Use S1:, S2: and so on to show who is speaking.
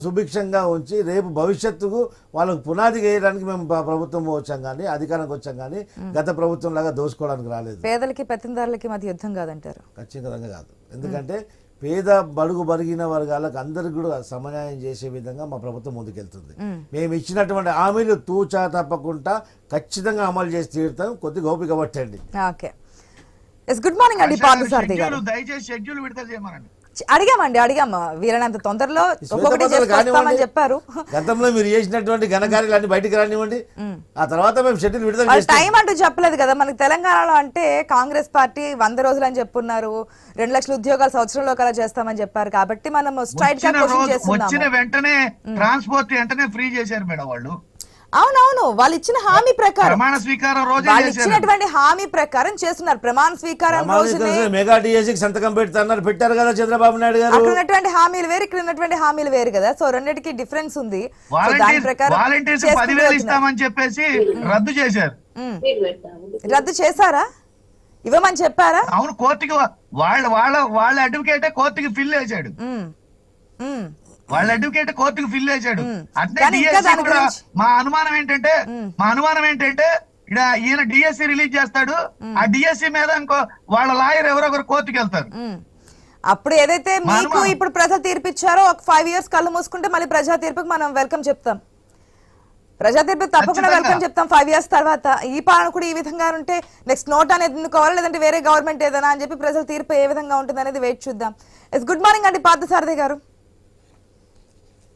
S1: సుభిక్షంగా ఉంచి రేపు భవిష్యత్తుకు వాళ్ళకు పునాది వేయడానికి మేము ప్రభుత్వం వచ్చాం కానీ అధికారానికి వచ్చాం కానీ గత ప్రభుత్వం లాగా దోసుకోవడానికి రాలేదు.
S2: పేదలకి పెత్తందారులకి మధ్య యుద్ధం కాదంటారు?
S1: ఖచ్చితంగా కాదు. ఎందుకంటే పేద బడుగు బరిగిన వర్గాలకు అందరికి కూడా సమన్యాయం చేసే విధంగా మా ప్రభుత్వం ముందుకెళ్తుంది. మేము ఇచ్చినటువంటి హామీలు తూచా తప్పకుండా ఖచ్చితంగా అమలు చేసి తీరుతాం. కొద్దిగా ఓపిక పట్టండి.
S2: ఓకే, గుడ్ మార్నింగ్ అండి పార్థసారథి గారు.
S3: దయచేసి షెడ్యూల్ విడుదల చేయమనండి.
S2: అడిగాము వీళ్ళనంత తొందరలో ఒక్కొక్కటి చేసుకొస్తామని చెప్పారు.
S1: గతంలో మీరు చేసినటువంటి ఘనకార్యాలన్నీ బయటికి రానివ్వండి, ఆ తర్వాత మేము షెడ్యూల్ విడుదల చేస్తాం.
S2: టైం అంటూ చెప్పలేదు కదా మనకి తెలంగాణలో. అంటే కాంగ్రెస్ పార్టీ 100 రోజులు అని చెప్పున్నారు, 2 లక్షల ఉద్యోగాలు సంవత్సరంలో కలా చేస్తామని చెప్పారు. కాబట్టి మనం స్ట్రైట్ గా క్వశ్చన్ చేస్తున్నాము.
S3: వచ్చిన వెంటనే ట్రాన్స్పోర్ట్ వెంటనే ఫ్రీ చేశారు మేడం వాళ్ళు.
S2: అవునవును, వాళ్ళు ఇచ్చిన హామీ ప్రకారం,
S3: ప్రమాణ స్వీకారం రోజు
S2: వాళ్ళు ఇచ్చినటువంటి హామీ ప్రకారం చేస్తున్నారు. ప్రమాణ స్వీకారం రోజునే
S1: మెగా డిఎస్సికి సంతకం పెడతారు, పెట్టారు కదా చంద్రబాబు నాయుడు గారు.
S2: అక్కడ ఉన్నటువంటి హామీలు వేరు, ఇక్కడ ఉన్నటువంటి హామీలు వేరు కదా. సో రెండింటికి డిఫరెన్స్ ఉంది.
S3: వాలంటీర్స్ 10,000 ఇస్తామని చెప్పేసి రద్దు చేశారు.
S2: రద్దు చేశారా? ఇవ్వమని చెప్పారా?
S3: అవును, కోర్టుకి వాళ్ళ అడ్వకేట్ కోర్టుకి ఫిల్ వేసాడు. వాళ్ళ అడ్వకేట్ కోర్టుకు ఫిల్ చేశాడు. అంటే మా అనుమానం ఏంటంటే ఇక్కడ ఈయన డిఎస్సి రిలీజ్ చేస్తాడు, ఆ డిఎస్సి మీద ఇంకో వాళ్ళ లాయర్ ఎవరొకరు కోర్టుకు వెళ్తారు.
S2: అప్పుడు ఏదైతే మీకు ఇప్పుడు ప్రజా తీర్పు ఇచ్చారో ఒక 5 years కళ్ళు మూసుకుంటే మళ్ళీ ప్రజా తీర్పుకి మనం వెల్కమ్ చెప్తాం. ప్రజా తీర్పుకి తప్పకుండా వెల్కమ్ చెప్తాం 5 years తర్వాత. ఈ పాలన కూడా ఈ విధంగా ఉంటే నెక్స్ట్ నోట్ అనేది ఎన్నుకోవాలి, లేదంటే వేరే గవర్నమెంట్ ఏదైనా అని చెప్పి ప్రజల తీర్పు ఏ విధంగా ఉంటుంది అనేది వెయిట్ చూద్దాం. గుడ్ మార్నింగ్ అండి పార్థసారథి గారు.